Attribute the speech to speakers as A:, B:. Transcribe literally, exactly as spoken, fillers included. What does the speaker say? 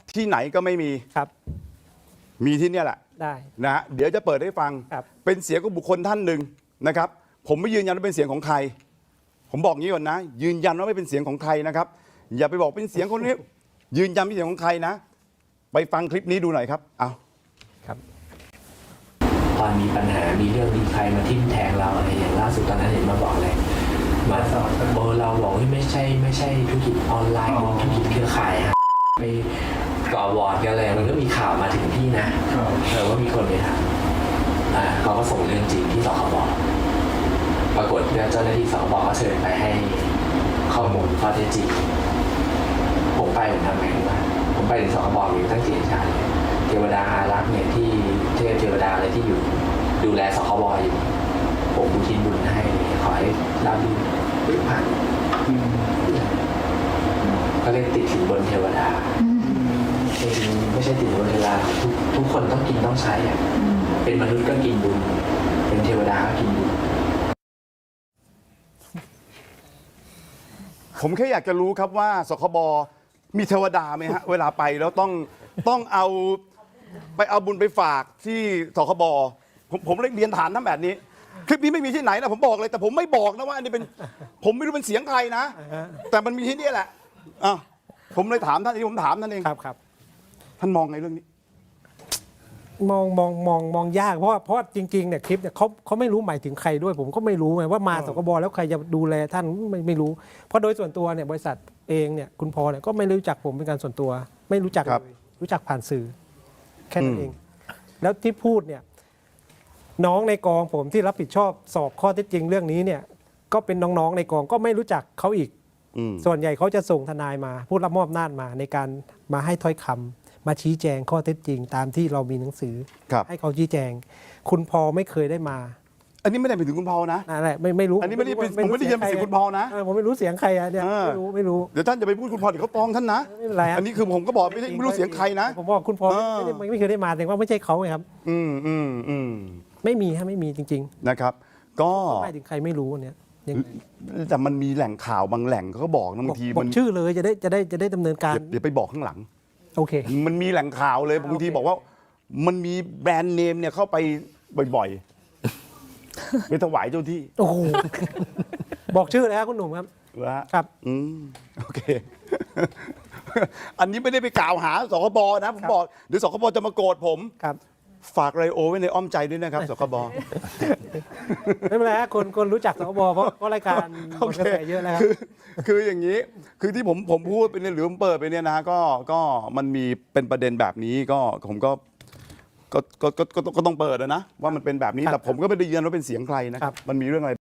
A: ที่ไหนก็ไม่มี
B: ครับ
A: มีที่เนี่ยแหละ
B: ได้
A: นะฮะเดี๋ยวจะเปิดให้ฟังเป็นเสียงของบุคคลท่านหนึ่งนะครับผมไม่ยืนยันว่าเป็นเสียงของใครผมบอกงี้ก่อนนะยืนยันว่าไม่เป็นเสียงของใครนะครับอย่าไปบอกเป็นเสียงคนนี้ยืนยันเป็นเสียงของใครนะไปฟังคลิปนี้ดูหน่อยครับเอา
B: ครับ
C: ตอนมีปัญหามีเรื่องมีใครมาทิ่มแทงเราอะไรอย่างล่าสุดตอนนั้นเห็นมาบอกเลยมาสอนโบเราบอกว่าไม่ใช่ไม่ใช่ธุรกิจออนไลน์ธุรกิจเครือข่ายฮะไปก่อวอร์ดกันเลยมันก็มีข่าวมาถึงที่นะเออว่ามีคนไปถามอ่าเขาก็ส่งเรื่องจริงที่สคบปรากฏเจ้าหน้าที่สคบก็เชิญไปให้ข้อมูลข้อเท็จจริงผมไปผมทำไงรู้ไหมผมไปถึงสคบอยู่ตั้งสี่ชาติเทวดาอารักษ์เนี่ยที่เทพเทวดาอะไรที่อยู่ดูแลสคบอยู่ผมบุทินบุญให้ขอให้รับดีหรือผ่านก็เลยติดสินบนเทวดาจริงไม่ใช่ติดบนเทวดาทุกทุกคนต้องกินต้องใช้อ่ะเป็นมนุษย์ก็กินบุญเป็นเทวดาก็กินบุญ
A: ผมแค่อยากจะรู้ครับว่าสคบมีเทวดาไหมฮะเวลาไปแล้วต้องต้องเอาไปเอาบุญไปฝากที่สคบผมผมเลยเรียนถามท่านแบบนี้คลิปนี้ไม่มีที่ไหนนะผมบอกเลยแต่ผมไม่บอกนะว่าอันนี้เป็นผมไม่รู้เป็นเสียงใครนะแต่มันมีที่นี่แหละอ่ะผมเลยถามท่านที่ผมถามท่านเอง
B: ครับครับ
A: ท่านมองไงเรื่องนี้
B: มองมองมองมองยากเพราะเพราะจริงๆเนี่ยคลิปเนี่ยเขาเขาไม่รู้หมายถึงใครด้วยผมก็ไม่รู้ไงว่ามาสคบแล้วใครจะดูแลท่านไม่ไม่รู้เพราะโดยส่วนตัวเนี่ยบริษัทเองเนี่ยคุณพอเนี่ยก็ไม่รู้จักผมเป็นการส่วนตัวไม่รู้จักเลยรู้จักผ่านสื่อแค่นั้นเองแล้วที่พูดเนี่ยน้องในกองผมที่รับผิดชอบสอบข้อเท็จจริงเรื่องนี้เนี่ยก็เป็นน้องๆในกองก็ไม่รู้จักเขาอีกส่วนใหญ่เขาจะส่งทนายมาผู้รับมอบอำนาจมาในการมาให้ถ้อยคำมาชี้แจงข้อเท็จจริงตามที่เรามีหนังสือให้เขาชี้แจงคุณพอไม่เคยได้มา
A: อันนี้ไม่ได้ไปถึงคุณพอนะ
B: นั่นแหละไม่ไม่รู้
A: อันนี้ไม่ได้ผมไม่ได้ยินเสียงคุณพอนะ
B: ผมไม่รู้เสียงใครอะเนี่ยไม่รู้ไม่รู้
A: เดี๋ยวท่านจะไปพูดคุณพอเดี๋ยวเขาฟ้องท่านนะ
B: ไม่เป็นไร
A: อันนี้คือผมก็บอกไม่ได้ไม่รู้เสียงใครนะ
B: ผมบอกคุณพอไม่ได้ไม่เคยได้มาแต่ว่าไม่ใช่เขาไงครับ
A: อืมอืมอืม
B: ไม่มีฮะไม่มีจริง
A: ๆนะครับก็
B: ไม่ถึงใครไม่รู้เนี่ย
A: แต่มันมีแหล่งข่าวบางแหล่งเขาก็บอกนะบางที
B: มันชื่อเลยจะได้จะได้จะได้ดำเนินการ
A: เดี๋ยวไปบอกข้างหลัง
B: โอเค
A: มันมีแหล่งข่าวเลยบางทีบอกว่ามันมีแบรนด์เนมเนี่ยเข้าไปบ่อยๆไปถวายเจ้าที่
B: โอ้โหบอกชื่อเลยครับคุณหนุ่มครับครับ
A: อืมโอเคอันนี้ไม่ได้ไปกล่าวหาสคบนะผมบอกเดี๋ยวสคบจะมาโกรธผม
B: ครับ
A: ฝากไรโอไว้ในอ้อมใจด้วยนะครับสคบ
B: ไม่เป็นไรฮะคนคนรู้จักสคบเพราะเพราะรายการคนกระแสเยอะแล้ว
A: คือคืออย่างนี้คือที่ผมผมพูดไปเนี่ยหรือผมเปิดไปเนี่ยนะก็ก็มันมีเป็นประเด็นแบบนี้ก็ผมก็ก็ก็ก็ก็ต้องเปิดนะว่ามันเป็นแบบนี้แต่ผมก็ไม่ได้ยืนยันว่าเป็นเสียงใครนะครับมันมีเรื่องอะไร